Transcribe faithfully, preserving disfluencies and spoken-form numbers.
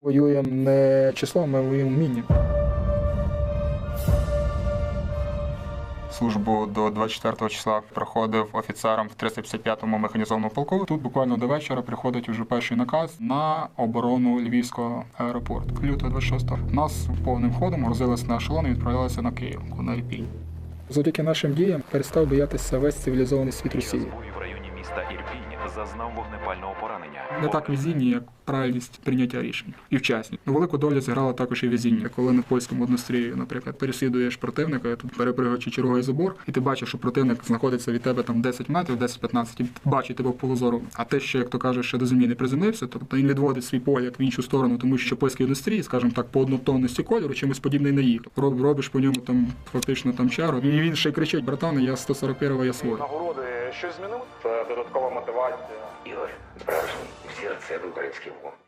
Воюємо не числом, ми воюємо вмінням. Службу до двадцять четвертого числа проходив офіцером в триста п'ятдесят п'ятому механізованому полку. Тут буквально до вечора приходить уже перший наказ на оборону Львівського аеропорту. Лютого двадцять шостого нас повним ходом грузилися на ешелон і відправлялися на Київ, на Ірпінь. Завдяки нашим діям перестав боятися весь цивілізований світ Росії. В районі міста Ірпінь зазнав вогнепального поранення. Не так везіння, як правильність прийняття рішень і вчасні. Велику долю зіграло також і везіння. Коли на польському однострії, наприклад, переслідуєш противника, тут перепригуючи черговий забор, і ти бачиш, що противник знаходиться від тебе там десять метрів, десять-п'ятнадцять, і бачить тебе в полозору. А те, що, як то кажеш, ще до землі не приземлився, тобто він відводить свій погляд в іншу сторону, тому що польській однострії, скажімо так, по однотонності кольору чимось подібний на їх. Роб, робиш по ньому там фактично там чару, і він ще й кричить: братан, я сто сорок першого, я свой. Нагороди щось змінили? Це додаткова мотивація. Ігор, справжній, всі рецепти українських вогонь.